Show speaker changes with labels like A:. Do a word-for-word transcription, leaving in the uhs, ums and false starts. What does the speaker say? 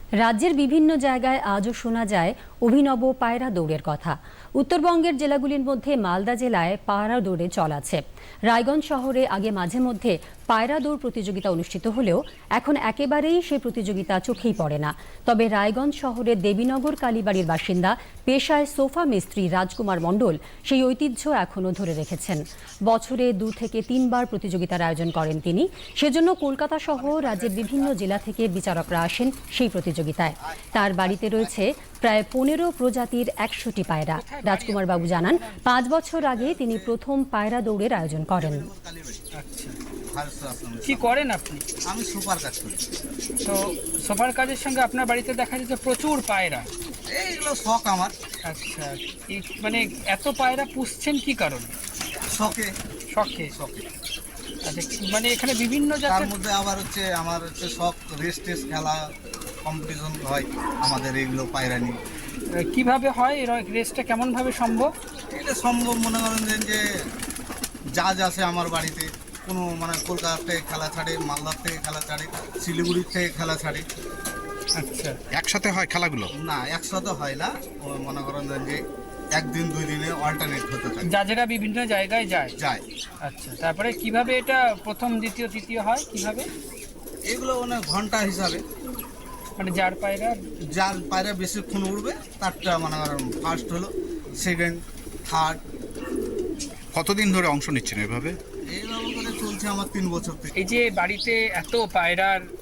A: রাজ্যের বিভিন্ন জায়গায় আজও শোনা যায় অভিনব পায়রা দৌড়ের কথা। উত্তরবঙ্গের জেলাগুলির মধ্যে মালদা জেলায় পায়রা দৌড়ে চল আছে। রায়গঞ্জ শহরে আগে মাঝে মধ্যে পায়রা দৌড় প্রতিযোগিতা অনুষ্ঠিত হলেও এখন একেবারেই সেই প্রতিযোগিতা চোখেই পড়ে না। তবে রায়গঞ্জ শহরের দেবীনগর কালীবাড়ির বাসিন্দা পেশায় সোফা মিস্ত্রি রাজকুমার মণ্ডল সেই ঐতিহ্য এখনও ধরে রেখেছেন। বছরে দু থেকে তিনবার প্রতিযোগিতার আয়োজন করেন তিনি। সেজন্য কলকাতা সহ রাজ্যের বিভিন্ন জেলা থেকে বিচারকরা আসেন সেই প্রতিযোগিতায়। তার বাড়িতে রয়েছে প্রায় পনেরো প্রজাতির একশোটি পায়রা। রাজকুমার বাবু জানান, পাঁচ বছর আগে তিনি প্রথম পায়রা দৌড়ের আয়োজন করেন।
B: কি করেন আপনি?
C: আমি সুপার কাজ করি।
B: তো সোফার কাজের সঙ্গে আপনার বাড়িতে দেখা যাচ্ছে প্রচুর পায়রা।
C: এইগুলো শখ আমার।
B: আচ্ছা, এই মানে এত পায়রা পুষছেন কি কারণে?
C: শখে
B: শখে।
C: শখে
B: আচ্ছা, মানে এখানে বিভিন্ন
C: তার
B: জাতের
C: মধ্যে আবার হচ্ছে আমার হচ্ছে শখ রেস টেস খেলা কম্পিটিশন হয় আমাদের এইগুলো পায়রা নিয়ে।
B: কিভাবে হয় এই রেসটা, কেমন ভাবে সম্ভব?
C: এটা সম্ভব মনে করেন যে যে জাজ আছে আমার বাড়িতে, কোনো মানে কলকাতা থেকে খেলা ছাড়ে, মালদার থেকে খেলা ছাড়ে, শিলিগুড়ির থেকে খেলা ছাড়ে।
B: আচ্ছা,
D: একসাথে হয় খেলাগুলো?
C: না, একসাথে হয় না। ও মনে করেন যে একদিন দুই দিনে অল্টারনেট হতে থাকে,
B: জাজেরা বিভিন্ন জায়গায় যায়
C: যায়।
B: আচ্ছা, তারপরে কিভাবে এটা প্রথম দ্বিতীয় তৃতীয় হয় কিভাবে?
C: এগুলো মানে ঘন্টা হিসাবে,
B: মানে যার পায়রা
C: যার পায়রা বেশিক্ষণ উঠবে তারটা মানে ফার্স্ট হলো, সেকেন্ড, থার্ড।
D: কতদিন ধরে অংশ নিচ্ছেন এভাবে?
C: এইভাবে করে চলছে আমার তিন বছর থেকে।
B: এই যে বাড়িতে এত পায়রার